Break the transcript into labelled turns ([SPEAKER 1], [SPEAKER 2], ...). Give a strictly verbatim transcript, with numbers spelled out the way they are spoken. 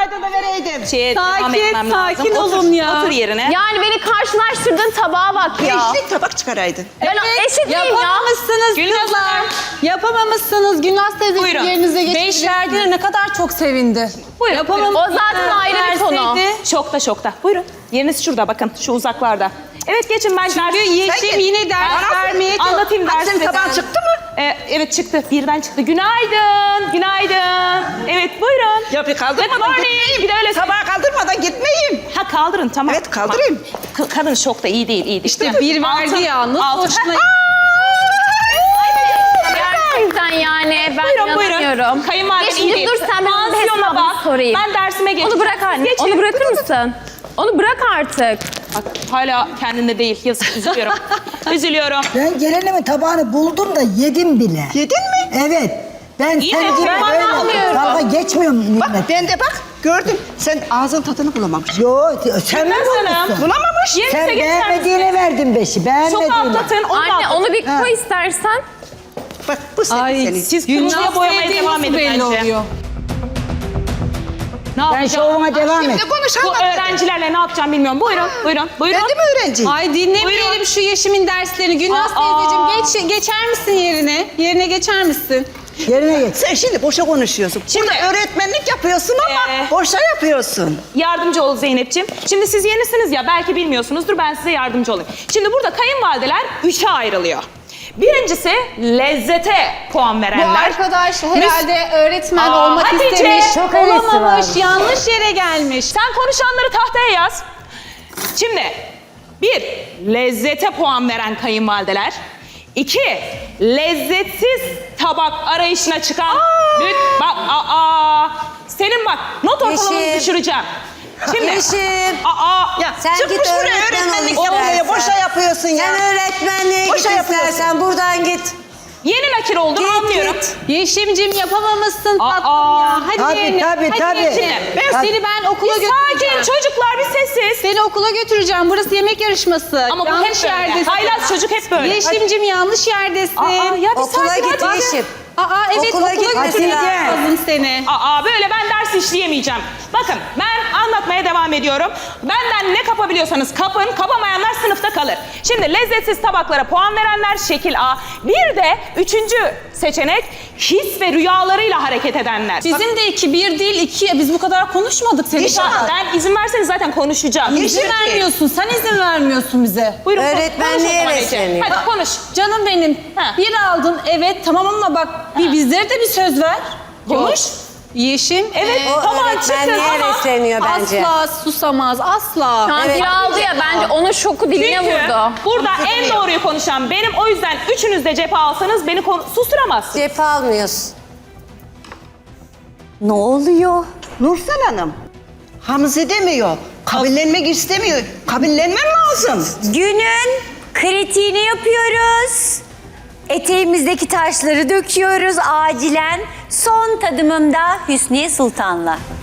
[SPEAKER 1] olsaydı da vereydin.
[SPEAKER 2] Şeye devam
[SPEAKER 3] Sakin,
[SPEAKER 2] etmem lazım.
[SPEAKER 3] sakin
[SPEAKER 2] Otur,
[SPEAKER 3] olun ya.
[SPEAKER 2] Otur yerine.
[SPEAKER 4] Yani beni karşılaştırdığın tabağa bak ya.
[SPEAKER 1] Beşlik tabak çıkaraydın.
[SPEAKER 4] Ben eşit miyim ya?
[SPEAKER 3] Yapamamışsınız
[SPEAKER 2] Gülnaz
[SPEAKER 3] kızlar.
[SPEAKER 2] Hanım.
[SPEAKER 3] Yapamamışsınız. Gülnaz teyze
[SPEAKER 2] Buyurun.
[SPEAKER 3] yerinize
[SPEAKER 5] Beş
[SPEAKER 3] geçti.
[SPEAKER 5] verdiğine ne kadar çok sevindi.
[SPEAKER 2] Buyurun.
[SPEAKER 3] Yapamamışsınız.
[SPEAKER 4] O zaten ayrı bir konu.
[SPEAKER 3] Verseydi-
[SPEAKER 2] Şokta şokta. Buyurun. Yeriniz şurada bakın. Şu uzaklarda. Evet geçin ben
[SPEAKER 3] Çünkü
[SPEAKER 2] ders...
[SPEAKER 3] Yeşim yine ders
[SPEAKER 2] Ben-
[SPEAKER 3] vermeye
[SPEAKER 2] Anlatayım
[SPEAKER 1] Hadi
[SPEAKER 2] dersi.
[SPEAKER 1] senin tabağın çıktı mı?
[SPEAKER 2] Ee, evet çıktı. Birden çıktı. Günaydın. Günaydın. Evet buyurun.
[SPEAKER 1] Ya bir
[SPEAKER 2] Good
[SPEAKER 1] kaldırmadan
[SPEAKER 2] morning.
[SPEAKER 1] gitmeyeyim.
[SPEAKER 2] Bir de öyle...
[SPEAKER 1] Tabağı kaldırmadan gitmeyeyim.
[SPEAKER 2] Ha kaldırın tamam.
[SPEAKER 1] Evet, kaldırayım.
[SPEAKER 2] Tamam. Ka- kadın şokta iyi değil iyi değil.
[SPEAKER 3] İşte bir verdi
[SPEAKER 2] Altın-
[SPEAKER 3] ya. Nasıl
[SPEAKER 2] altın-
[SPEAKER 3] hoşuna...
[SPEAKER 4] Gerçekten yani ben
[SPEAKER 2] Buyurun buyurun.
[SPEAKER 4] inanamıyorum.
[SPEAKER 2] Kayınvalidem iyi
[SPEAKER 4] Yeşim
[SPEAKER 2] değil.
[SPEAKER 4] dur sen benim bir
[SPEAKER 2] Pansiyona
[SPEAKER 4] hesabımı
[SPEAKER 2] bak.
[SPEAKER 4] sorayım.
[SPEAKER 2] Ben dersime geçeceğim.
[SPEAKER 4] Onu bırak anne.
[SPEAKER 2] Geçin.
[SPEAKER 4] Onu bırakır mısın? Onu bırak artık.
[SPEAKER 2] Bak hala kendinde değil. Yazık üzülüyorum. Üzülüyorum.
[SPEAKER 6] Ben gelenimin tabağını buldum da yedim bile.
[SPEAKER 1] Yedin mi?
[SPEAKER 6] Evet. Ben
[SPEAKER 2] İyi
[SPEAKER 6] sen
[SPEAKER 2] de
[SPEAKER 6] gibi
[SPEAKER 2] ben
[SPEAKER 6] böyle
[SPEAKER 4] anlamıyorum.
[SPEAKER 6] dalga geçmiyorum
[SPEAKER 1] Bak
[SPEAKER 6] nimet.
[SPEAKER 1] ben de bak gördüm. Sen ağzın tadını bulamamışsın.
[SPEAKER 6] Yo sen mi
[SPEAKER 2] Gülnaz Hanım.
[SPEAKER 6] bulmuşsun?
[SPEAKER 1] Bulamamış.
[SPEAKER 2] Yerinize
[SPEAKER 6] Sen
[SPEAKER 2] geçer
[SPEAKER 6] beğenmediğine verdin beşi.
[SPEAKER 2] Çok
[SPEAKER 6] Beğenmediğine.
[SPEAKER 2] atlatın. Onu
[SPEAKER 4] Anne
[SPEAKER 2] atlatın.
[SPEAKER 4] onu bir
[SPEAKER 6] Ha.
[SPEAKER 4] koy istersen.
[SPEAKER 1] Bak bu senin.
[SPEAKER 3] Ay
[SPEAKER 1] senin.
[SPEAKER 2] Siz
[SPEAKER 3] Gülnaz
[SPEAKER 2] kırmızıya boyamaya
[SPEAKER 3] sevdiği
[SPEAKER 2] devam
[SPEAKER 3] nasıl
[SPEAKER 2] edin
[SPEAKER 3] belli
[SPEAKER 2] bence.
[SPEAKER 3] oluyor?
[SPEAKER 2] Ne
[SPEAKER 6] Ben
[SPEAKER 2] yapacağım?
[SPEAKER 6] şovuma devam et.
[SPEAKER 1] Şimdi konuş
[SPEAKER 2] Bu
[SPEAKER 1] anlat.
[SPEAKER 2] öğrencilerle ne yapacağım bilmiyorum. Buyurun, buyurun, buyurun.
[SPEAKER 1] Ben de mi öğrenciyim?
[SPEAKER 3] Ay dinlemeyelim
[SPEAKER 2] Buyurun.
[SPEAKER 3] şu Yeşim'in derslerini. Gülnaz
[SPEAKER 2] Aa.
[SPEAKER 3] teyzeciğim geç, geçer misin yerine? Yerine geçer misin?
[SPEAKER 6] Yerine geç.
[SPEAKER 1] Sen şimdi boşa konuşuyorsun.
[SPEAKER 2] Şimdi-
[SPEAKER 1] Burada öğretmenlik yapıyorsun ama
[SPEAKER 2] Ee,
[SPEAKER 1] boşa yapıyorsun.
[SPEAKER 2] Yardımcı ol Zeynep'ciğim. Şimdi siz yenisiniz ya belki bilmiyorsunuzdur ben size yardımcı olayım. Şimdi burada kayınvalideler üçe ayrılıyor. Birincisi lezzete puan
[SPEAKER 3] Bu
[SPEAKER 2] verenler.
[SPEAKER 3] arkadaş herhalde öğretmen
[SPEAKER 2] Aa,
[SPEAKER 3] olmak
[SPEAKER 2] Hatice,
[SPEAKER 3] istemiş.
[SPEAKER 6] çok hevesi
[SPEAKER 3] Olamamış,
[SPEAKER 6] varmış.
[SPEAKER 3] yanlış yere gelmiş.
[SPEAKER 2] Sen konuşanları tahtaya yaz. Şimdi bir, lezzete puan veren kayınvalideler. İki, lezzetsiz tabak arayışına çıkan... Lüt, bak, aa, senin bak, not ortalamanı
[SPEAKER 7] Yeşim.
[SPEAKER 2] düşüreceğim. Şimdi,
[SPEAKER 7] Yeşim.
[SPEAKER 2] aa,
[SPEAKER 1] Ya
[SPEAKER 7] Sen
[SPEAKER 1] çıkmış
[SPEAKER 7] git
[SPEAKER 1] buraya
[SPEAKER 7] öğretmen
[SPEAKER 1] öğretmenlik
[SPEAKER 7] ol
[SPEAKER 1] yapmaya
[SPEAKER 7] istersen.
[SPEAKER 1] boşa yapıyorsun ya.
[SPEAKER 7] Sen öğretmenliğe git
[SPEAKER 1] Boşa yapıyorsun.
[SPEAKER 7] istersen buradan git.
[SPEAKER 2] yeni nakir olduğunu
[SPEAKER 7] Git,
[SPEAKER 2] anlıyorum.
[SPEAKER 7] git.
[SPEAKER 3] Yeşim'cim yapamamışsın
[SPEAKER 2] Aa,
[SPEAKER 3] tatlım ya. Hadi
[SPEAKER 6] tabii,
[SPEAKER 3] yerine.
[SPEAKER 6] tabii,
[SPEAKER 3] Hadi
[SPEAKER 6] tabii.
[SPEAKER 3] yerine. Ben
[SPEAKER 6] Tabii.
[SPEAKER 3] seni ben okula
[SPEAKER 2] Bir
[SPEAKER 3] götüreceğim.
[SPEAKER 2] sakin çocuklar bir sessiz.
[SPEAKER 3] Seni okula götüreceğim. Burası yemek yarışması.
[SPEAKER 2] Ama bu
[SPEAKER 3] yanlış
[SPEAKER 2] hep böyle.
[SPEAKER 3] yerdesin.
[SPEAKER 2] Haylaz çocuk hep böyle.
[SPEAKER 3] Yeşim'cim yanlış yerdesin.
[SPEAKER 2] Aa, ya bir
[SPEAKER 7] Okula
[SPEAKER 2] sakin
[SPEAKER 7] git
[SPEAKER 2] hadi.
[SPEAKER 7] Yeşim.
[SPEAKER 3] Aa evet
[SPEAKER 7] Okula
[SPEAKER 3] okula,
[SPEAKER 7] gitmesi
[SPEAKER 3] götüreceğim
[SPEAKER 7] lazım.
[SPEAKER 3] kızım seni.
[SPEAKER 2] Aa böyle ben ders işleyemeyeceğim. Bakın ben anlatmaya devam ediyorum. Benden ne kapabiliyorsanız kapın, kapamayanlar sınıfta kalır. Şimdi lezzetsiz tabaklara puan verenler şekil A. Bir de üçüncü seçenek his ve rüyalarıyla hareket edenler.
[SPEAKER 5] Bizim de iki, bir değil iki. Biz bu kadar konuşmadık senin.
[SPEAKER 2] İnşallah ben izin verseniz zaten konuşacağım.
[SPEAKER 5] İzin vermiyorsun. Sen izin vermiyorsun bize.
[SPEAKER 2] Buyurun konuş-
[SPEAKER 7] Öğretmenliğe
[SPEAKER 2] konuş o zaman Ece.
[SPEAKER 7] besleniyor.
[SPEAKER 2] Hadi konuş.
[SPEAKER 5] Canım benim.
[SPEAKER 2] Ha.
[SPEAKER 5] Bir aldın evet tamam ama bak bir bizlere de bir söz ver.
[SPEAKER 2] Konuş.
[SPEAKER 3] Yeşim.
[SPEAKER 2] Evet
[SPEAKER 7] O
[SPEAKER 2] tamam çıkın
[SPEAKER 7] öğretmenliğe
[SPEAKER 2] ama.
[SPEAKER 7] besleniyor bence.
[SPEAKER 3] Asla susamaz asla.
[SPEAKER 4] Şu an
[SPEAKER 7] Evet.
[SPEAKER 4] bir aldı ya bence onun şoku diline
[SPEAKER 2] Çünkü
[SPEAKER 4] vurdu.
[SPEAKER 2] burada en doğruyu konuşan benim. O yüzden üçünüz de cephe alsanız beni kon- susturamazsınız.
[SPEAKER 7] Cephe almıyorsun.
[SPEAKER 1] Ne oluyor? Nursel Hanım. Hamze demiyor. Kabullenmek istemiyor. Kabullenmen lazım.
[SPEAKER 8] Günün kritiğini yapıyoruz. Eteğimizdeki taşları döküyoruz acilen. Son tadımım da Hüsniye Sultan'la.